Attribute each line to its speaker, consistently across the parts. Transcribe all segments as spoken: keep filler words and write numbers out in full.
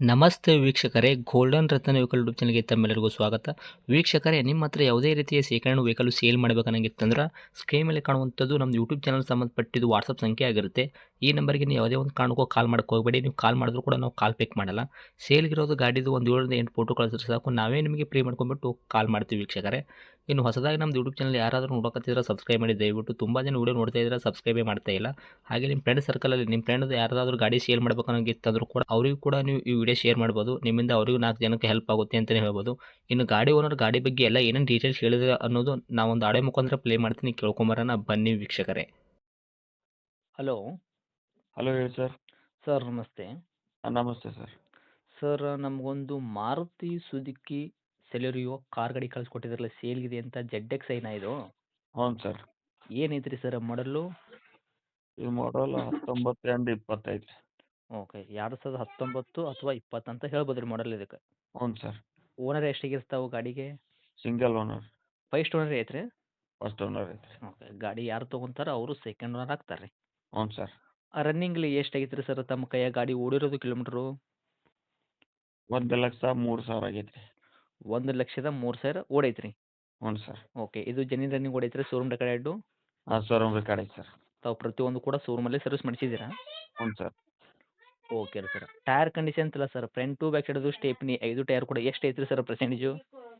Speaker 1: ನಮಸ್ತೆ ವೀಕ್ಷಕರೇ, ಗೋಲ್ಡನ್ ರತ್ನ vehicle YouTube ಚಾನಲ್ಗೆ ತಮ್ಮೆಲ್ಲರಿಗೂ ಸ್ವಾಗತ. ವೀಕ್ಷಕರೇ, ನಿಮ್ಮ ಹತ್ರ ಯಾವುದೇ ರೀತಿಯ ಶೇಖರಣೆ ವೆಹಿಕಲ್ ಸೇಲ್ ಮಾಡಬೇಕನ್ನಂಗಿತ್ತಂದ್ರೆ ಸ್ಕ್ರೀನ್ ಮೇಲೆ ಕಾಣುವಂಥದ್ದು ನಮ್ಮ ಯೂಟ್ಯೂಬ್ ಚಾನಲ್ ಸಂಬಂಧಪಟ್ಟಿದ್ದು ವಾಟ್ಸಪ್ ಸಂಖ್ಯೆ ಆಗಿರುತ್ತೆ. ಈ ನಂಬರ್ಗೆ ನೀವು ಯಾವುದೇ ಒಂದು ಕಾರಣಕ್ಕೂ ಕಾಲ್ ಮಾಡಕ್ಕೆ ಹೋಗಬೇಡಿ. ನೀವು ಕಾಲ್ ಮಾಡಿದ್ರು ಕೂಡ ನಾವು ಕಾಲ್ ಪಿಕ್ ಮಾಡಲ್ಲ. ಸೇಲ್ಗಿರೋದು ಗಾಡಿದು ಒಂದು ಏಳರಿಂದ ಎಂಟು ಫೋಟೋ ಕಳಿಸಿದ್ರೆ ಸಾಕು, ನಾವೇ ನಿಮಗೆ ಪ್ರೀ ಮಾಡ್ಕೊಂಡ್ಬಿಟ್ಟು ಕಾಲ್ ಮಾಡ್ತೀವಿ ವೀಕ್ಷಕರೇ. ಇನ್ನು ಹೊಸದಾಗಿ ನಮ್ಮದು ಯೂಟ್ಯೂಬ್ ಚಾನಲ್ ಯಾರಾದರೂ ನೋಡೋಕತ್ತಿದ್ರೆ ಸಬ್ಸ್ಕ್ರೈಬ್ ಮಾಡಿ ದಯವಿಟ್ಟು. ತುಂಬ ಜನ ವೀಡಿಯೋ ನೋಡ್ತಾ ಇದ್ದಾರೆ, ಸಬ್ಸ್ಕ್ರೈಬೇ ಮಾಡ್ತಾ ಇಲ್ಲ. ಹಾಗೆ ನಿಮ್ಮ ಫ್ರೆಂಡ್ ಸರ್ಕಲಲ್ಲಿ ನಿಮ್ಮ ಫ್ರೆಂಡ್ ಯಾರಾದರೂ ಗಾಡಿ ಸೇಲ್ ಮಾಡ್ಬೇಕನ್ನೋಂಗಿತ್ತಂದ್ರೂ ಕೂಡ ಅವರಿಗೂ ಕೂಡ ನೀವು ಈ ವಿಡಿಯೋ ಶೇರ್ ಮಾಡ್ಬೋದು. ನಿಮ್ಮಿಂದ ಅವರಿಗೂ ನಾಲ್ಕು ಜನಕ್ಕೆ ಹೆಲ್ಪ್ ಆಗುತ್ತೆ ಅಂತಲೇ ಹೇಳ್ಬೋದು. ಇನ್ನು ಗಾಡಿ ಓನರ್ ಗಾಡಿ ಬಗ್ಗೆ ಎಲ್ಲ ಏನೇನು ಡೀಟೇಲ್ಸ್ ಹೇಳಿದ್ರೆ ಅನ್ನೋದು ನಾವೊಂದು ಆಡೆ ಮುಖಾಂತರ ಪ್ಲೇ ಮಾಡ್ತೀನಿ, ಕೇಳ್ಕೊಂಬರೋಣ ಬನ್ನಿ ವೀಕ್ಷಕರೇ. ಹಲೋ
Speaker 2: ಹಲೋ ಹೇಳಿ ಸರ್.
Speaker 1: ಸರ್, ನಮಸ್ತೆ.
Speaker 2: ಹಾಂ ನಮಸ್ತೆ ಸರ್.
Speaker 1: ಸರ್, ನಮಗೊಂದು ಮಾರುತಿ ಸುಜುಕಿ ಸೆಲೆರಿಯೋ ಕಾರ್ ಗಾಡಿ ಕಳಿಸ್ಕೊಟ್ಟಿದ್ರಲ್ಲ, ಸೇಲ್ಗಿದೆ ಅಂತ. ಜೆಡ್ ಎಕ್ಸ್ ಐನಾ ಇದು?
Speaker 2: ಹ್ಞೂ ಸರ್.
Speaker 1: ಏನೈತ್ರಿ sir model?
Speaker 2: ಇದು ಮಾಡಲ್ ಹತ್ತೊಂಬತ್ತು ಎಂಟು ಇಪ್ಪತ್ತೈದು.
Speaker 1: ಓಕೆ, ಎರಡು ಸಾವಿರದ ಹತ್ತೊಂಬತ್ತು ಅಥವಾ ಇಪ್ಪತ್ತು ಅಂತ ಹೇಳ್ಬೋದು ರೀ ಮಾಡಲ್ ಇದಕ್ಕೆ.
Speaker 2: ಹ್ಞೂ ಸರ್.
Speaker 1: ಓನರ್ ಎಷ್ಟಾಗಿರ್ತಾವೆ ಗಾಡಿಗೆ?
Speaker 2: Single owner.
Speaker 1: ಫಸ್ಟ್ ಓನರ್ ಐತ್ರಿ?
Speaker 2: ಫಸ್ಟ್ ಓನರ್ ಐತ್ರಿ.
Speaker 1: ಓಕೆ, ಗಾಡಿ ಯಾರು ತೊಗೊಂತಾರ ಅವರು ಸೆಕೆಂಡ್ ಓನರ್ ಆಗ್ತಾರೆ ರೀ.
Speaker 2: ಹ್ಞೂ ಸರ್.
Speaker 1: ರನ್ನಿಂಗ್ಲಿ ಎಷ್ಟಾಗೈತೆ ರೀ ಸರ್ ತಮ್ಮ ಕೈಯಾಗ ಗಾಡಿ ಓಡಿರೋದು ಕಿಲೋಮೀಟ್ರು?
Speaker 2: ಒಂದು ಲಕ್ಷ ಮೂರು ಸಾವಿರ ಆಗೈತೆ ರೀ.
Speaker 1: ಒಂದು ಲಕ್ಷದ ಮೂರು ಸಾವಿರ ಓಡೈತೆ ರೀ.
Speaker 2: ಹ್ಞೂ ಸರ್.
Speaker 1: ಓಕೆ, ಇದು ಜೆನ್ಯೂನ್ ರನ್ನಿಂಗ್ ಓಡೈತೆ ರೀ? ಶೋರೂಮ್ ರೆಕಾರ್ಡ್ ಎರಡು
Speaker 2: ಹಾಂ ಶೋರೂಮ್ ರೆಕಾರ್ಡ್ ಐತೆ ಸರ್.
Speaker 1: ತಾವು ಪ್ರತಿಯೊಂದು ಕೂಡ ಶೋರೂಮಲ್ಲೇ ಸರ್ವಿಸ್ ಮಾಡಿಸಿದ್ದೀರಾ?
Speaker 2: ಹ್ಞೂ ಸರ್.
Speaker 1: ಓಕೆ ರೀ ಸರ್. ಟೈರ್ ಕಂಡೀಷನ್ ಅಂತಲ್ಲ ಸರ್, ಫ್ರಂಟ್ ಟು ಬ್ಯಾಕ್ ಸೈಡದು ಸ್ಟೇಪ್ನಿ ಐದು ಟೈರ್ ಕೂಡ ಎಷ್ಟು ಐತೆ ರೀ ಸರ್ ಪರ್ಸೆಂಟೇಜು?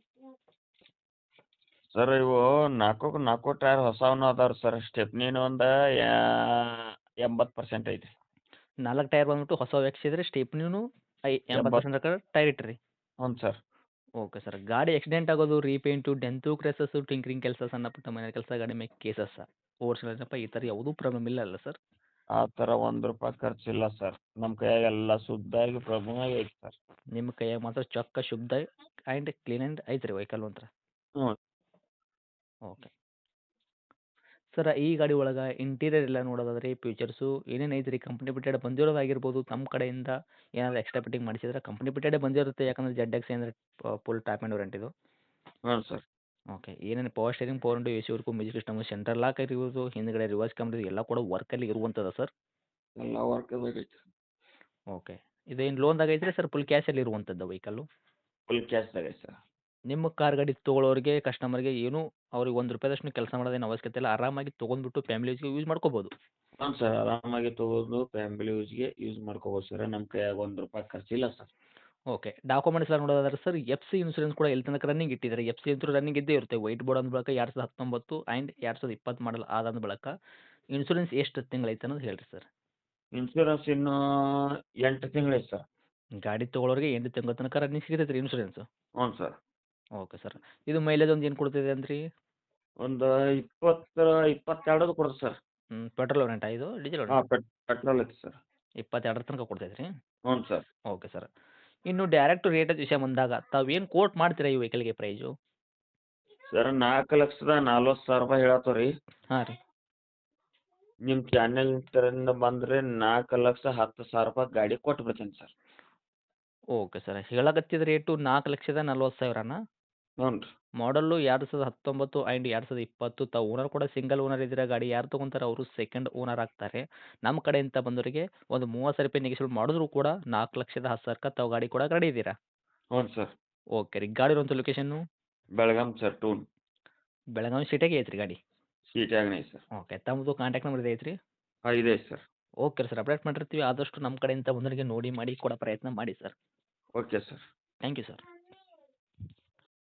Speaker 2: ಸರ್ ಇವು ನಾಲ್ಕು ನಾಲ್ಕು ಟೈರ್ ಹೊಸವನು ಅದಾವ್ರಿ ಸರ್. ಸ್ಟೆಪ್ನಿನ ಒಂದು ಎಂಬತ್ತು ಪರ್ಸೆಂಟ್ ಐತ್ರಿ.
Speaker 1: ನಾಲ್ಕು ಟೈರ್ ಬಂದ್ಬಿಟ್ಟು ಹೊಸ ಹಾಕ್ಸಿದ್ರೆ ಸ್ಟೇಪ್ನಿನೂ ಐ ಎಂಬತ್ತು
Speaker 2: ಎಂಬತ್ತು.
Speaker 1: ಪರ್ಸೆಂಟ್ ಟೈರ್ ಇಟ್ಟಿರಿ.
Speaker 2: ಹ್ಞೂ ಸರ್.
Speaker 1: Okay sir. ಗಾಡಿ ಆಕ್ಸಿಡೆಂಟ್ ಆಗೋದು, ರೀಪೇಂಟು, ಡೆಂತು, ಕ್ರೆಸಸ್ಸು, ಟಿಂಕ್ರಿಂಗ್ ಕೆಲಸ, ಸಣ್ಣ ಪುಟ್ಟ ಮನೆ ಕೆಲಸ, ಗಾಡಿ ಮೇಲೆ ಕೇಸಸ್ಸ, ಓಡಿಸಿಲ್ಲಪ್ಪ, ಈ ಥರ ಯಾವುದೂ ಪ್ರಾಬ್ಲಮ್ ಇಲ್ಲ ಅಲ್ಲ ಸರ್?
Speaker 2: ಆ ಥರ ಒಂದು ರೂಪಾಯಿ ಖರ್ಚಿಲ್ಲ ಸರ್. ನಮ್ಮ ಕೈಯಾಗ ಎಲ್ಲ ಶುದ್ಧಾಗಿ ಪ್ರಭುವಾಗಿ ಐತೆ ಸರ್.
Speaker 1: ನಿಮ್ಮ ಕೈಯಾಗ ಮಾತ್ರ ಚೊಕ್ಕ ಶುದ್ಧ ಆ್ಯಂಡ್ ಕ್ಲೀನ್ ಆ್ಯಂಡ್ ಐತೆ ರೀ ವೆಹಿಕಲ್ ಒಂಥರ.
Speaker 2: ಹ್ಞೂ.
Speaker 1: ಓಕೆ ಸರ್, ಈ ಗಾಡಿ ಒಳಗೆ ಇಂಟೀರಿಯರ್ ಎಲ್ಲ ನೋಡೋದಾದ್ರೆ ಫ್ಯೂಚರ್ಸು ಏನೇನು ಐತೆ ರೀ? ಕಂಪ್ನಿ ಬಿಟ್ಟೆಡ್ ಬಂದಿರೋದಾಗಿರ್ಬೋದು, ತಮ್ಮ ಕಡೆಯಿಂದ ಏನಾದರೂ ಎಕ್ಸ್ಟ್ರಾ ಫಿಟ್ಟಿಂಗ್ ಮಾಡಿಸಿದ್ರೆ ಕಂಪ್ನಿ ಬಿಟ್ಟೆಡೇ ಬಂದಿರುತ್ತೆ. ಯಾಕಂದರೆ ಜೆಡ್ ಎಕ್ಸ್ ಅಂದರೆ ಫುಲ್ ಟಾಪ್ ಆ್ಯಂಡ್ ವಾರಂಟಿದು.
Speaker 2: ಹ್ಞೂ ಸರ್.
Speaker 1: ಓಕೆ, ಏನೇನು power steering, power window, A C work, music system, central lock ಇರ್ಬೋದು, ಹಿಂದ್ಗಡೆ ರಿವರ್ಸ್ ಕ್ಯಾಮ್ರಾ ಎಲ್ಲ ಕೂಡ ವರ್ಕಲ್ಲಿ ಇರುವಂಥದ್ದು ಸರ್?
Speaker 2: ಎಲ್ಲ ವರ್ಕದಾಗ ಐತೆ.
Speaker 1: ಓಕೆ, ಇದೇನು ಲೋನ್ದಾಗ ಐತ್ರಿ ಸರ್? ಫುಲ್ ಕ್ಯಾಶಲ್ಲಿ ಇರುವಂಥದ್ದು ವೆಹಿಕಲ್ಲು?
Speaker 2: ಫುಲ್ ಕ್ಯಾಶ್ದಾಗ ಐತೆ ಸರ್.
Speaker 1: ನಿಮ್ಮ ಕಾರ್ ಗಾಡಿ ತೊಗೊಳೋರಿಗೆ, ಕಸ್ಟಮರ್ಗೆ ಏನೂ ಅವ್ರಿಗೆ ಒಂದು ರೂಪಾಯಿದಷ್ಟು ಕೆಲಸ ಮಾಡೋದೇನು ಅವಶ್ಯಕತೆ ಇಲ್ಲ. ಆರಾಮಾಗಿ ತೊಗೊಂಡ್ಬಿಟ್ಟು ಫ್ಯಾಮಿಲಿ ಯೂಸ್ಗೆ ಯೂಸ್ ಮಾಡ್ಕೋಬೋದು.
Speaker 2: ಹ್ಞೂ ಸರ್. ಆರಾಮಾಗಿ ತೊಗೊಂಡು ಫ್ಯಾಮಿಲಿ ಯೂಸ್ಗೆ ಯೂಸ್ ಮಾಡ್ಕೋಬೋದು ಸರ್. ನಮ್ಮ ಕೈಯಾಗ ಒಂದು ರೂಪಾಯಿ ಖರ್ಚಿಲ್ಲ ಸರ್.
Speaker 1: ಓಕೆ, ಡಾಕ್ಯುಮೆಂಟ್ಸ್ ಎಲ್ಲ ನೋಡೋದಾದ್ರೆ ಸರ್, ಎಫ್ ಸಿ ಇನ್ಸೂರೆನ್ಸ್ ಕೂಡ ಎಲ್ಲಿ ತನಕ ರನ್ನಿಂಗ್ ಇಟ್ಟಿದ್ದಾರೆ? ಎಫ್ ಸಿ ಅಂತೂ ರನ್ನಿಂಗ್ ಇದ್ದೇ ಇರುತ್ತೆ. ವೈಟ್ ಬೋರ್ಡ್ ಅಂದ ಬಳಿಕ ಎರಡು ಸಾವಿರದ ಹತ್ತೊಂಬತ್ತು ಆ್ಯಂಡ್ ಎರಡು ಸಾವಿರದ ಇಪ್ಪತ್ತು ಮಾಡಲ್ ಆದಂದ ಬಳಿಕ ಇನ್ಸೂರೆನ್ಸ್ ಎಷ್ಟು ತಿಂಗಳೈತೆ ಅನ್ನೋದು ಹೇಳಿರಿ ಸರ್?
Speaker 2: ಇನ್ಶೂರೆನ್ಸ್ ಇನ್ನೂ ಎಂಟು ತಿಂಗಳು ಸರ್.
Speaker 1: ಗಾಡಿ ತೊಗೊಳೋರಿಗೆ ಎಂಟು ತಿಂಗಳ ತನಕ ರನ್ನಿಂಗ್ ಸಿಗ್ತೈತೆ ರೀ ಇನ್ಸೂರೆನ್ಸು?
Speaker 2: ಹ್ಞೂ ಸರ್.
Speaker 1: Okay sir. ಇದು ಮೈಲೇಜ್ ಒಂದು ಏನು ಕೊಡ್ತಿದೆ ಅಂದ್ರಿ?
Speaker 2: ಒಂದು ಇಪ್ಪತ್ತು ಇಪ್ಪತ್ತೆರಡದು ಕೊಡುತ್ತೆ ಸರ್.
Speaker 1: ಹ್ಞೂ, ಪೆಟ್ರೋಲ್ ವೇರಿಯಂಟಾ ಇದು? ಡೀಸೆಲ್
Speaker 2: ಹಾಂ
Speaker 1: ವೇರಿಯಂಟ್?
Speaker 2: ಪೆಟ್ ಪೆಟ್ರೋಲ್ ಐತೆ ಸರ್.
Speaker 1: ಇಪ್ಪತ್ತೆರಡರ ತನಕ ಕೊಡ್ತೈತೆ ರೀ?
Speaker 2: ಹ್ಞೂ ಸರ್.
Speaker 1: Okay sir. ಇನ್ನು ಡೈರೆಕ್ಟ್ ರೇಟ್ ವಿಷಯ ಬಂದಾಗ ತಾವೇನು ಕೋಟ್ ಮಾಡ್ತೀರಾ ಈ ವೆಹಿಕಲ್ಗೆ ಪ್ರೈಸು?
Speaker 2: ಸರ್ ನಾಲ್ಕು ಲಕ್ಷದ ನಲ್ವತ್ತು ಸಾವಿರ ರೂಪಾಯಿ ಹೇಳತ್ತವ ರೀ.
Speaker 1: ಹಾಂ ರೀ.
Speaker 2: ನಿಮ್ಮ ಚಾನೆಲ್ ಕಡೆಯಿಂದ ಬಂದರೆ ನಾಲ್ಕು ಲಕ್ಷ ಹತ್ತು ಸಾವಿರ ರೂಪಾಯಿ ಗಾಡಿ ಕೊಟ್ಟು ಬಿಡ್ತೀನಿ ಸರ್.
Speaker 1: Okay sir. ಹೇಳಕತ್ತಿದ ರೇಟು ನಾಲ್ಕು ಲಕ್ಷದ ನಲ್ವತ್ತು ಸಾವಿರನಾ?
Speaker 2: ಹ್ಞೂ ರೀ.
Speaker 1: ಮಾಡಲ್ಲು ಎರಡು ಸಾವಿರದ ಹತ್ತೊಂಬತ್ತು ಆ್ಯಂಡ್ ಎರಡು ಸಾವಿರದ ಇಪ್ಪತ್ತು. ತಾವು ಓನರ್ ಕೂಡ ಸಿಂಗಲ್ ಓನರ್ ಇದ್ದೀರಾ. ಗಾಡಿ ಯಾರು ತೊಗೊಂತಾರೆ ಅವರು ಸೆಕೆಂಡ್ ಓನರ್ ಆಗ್ತಾರೆ. ನಮ್ಮ ಕಡೆಯಿಂದ ಬಂದವರಿಗೆ ಒಂದು ಮೂವತ್ತು ಸಾವಿರ ರೂಪಾಯಿ ನೆಗೆಶ್ಯೇಟ್ ಮಾಡಿದ್ರು ಕೂಡ ನಾಲ್ಕು ಲಕ್ಷದ ಹತ್ತು ಸಾವಿರಕ್ಕೆ ತಾವು ಗಾಡಿ ಕೊಡಕ್ಕೆ ರೆಡಿ ಇದ್ದೀರಾ?
Speaker 2: ಹ್ಞೂ ಸರ್.
Speaker 1: ಓಕೆ ರೀ. ಗಾಡಿ ಇರುವಂಥ location?
Speaker 2: Belgaum sir town.
Speaker 1: Belagavi ಸಿಟಿಯಾಗೆ ಐತೆ ರೀ ಗಾಡಿ?
Speaker 2: ಸೀಟ್ಯಾಗನೇ ಐತೆ ಸರ್.
Speaker 1: ಓಕೆ, ತಮ್ಮದು ಕಾಂಟ್ಯಾಕ್ಟ್ ನಂಬರ್ ಇದೆ ಐತ್ರಿ?
Speaker 2: ಹಾಂ ಇದೆ ಸರ್.
Speaker 1: ಓಕೆ ಸರ್, ಅಪ್ಡೇಟ್ ಮಾಡಿರ್ತೀವಿ. ಆದಷ್ಟು ನಮ್ಮ ಕಡೆಯಿಂದ ಬಂದವರಿಗೆ ನೋಡಿ ಮಾಡಿ ಕೊಡೋ ಪ್ರಯತ್ನ ಮಾಡಿ sir.
Speaker 2: Okay sir.
Speaker 1: Thank you sir.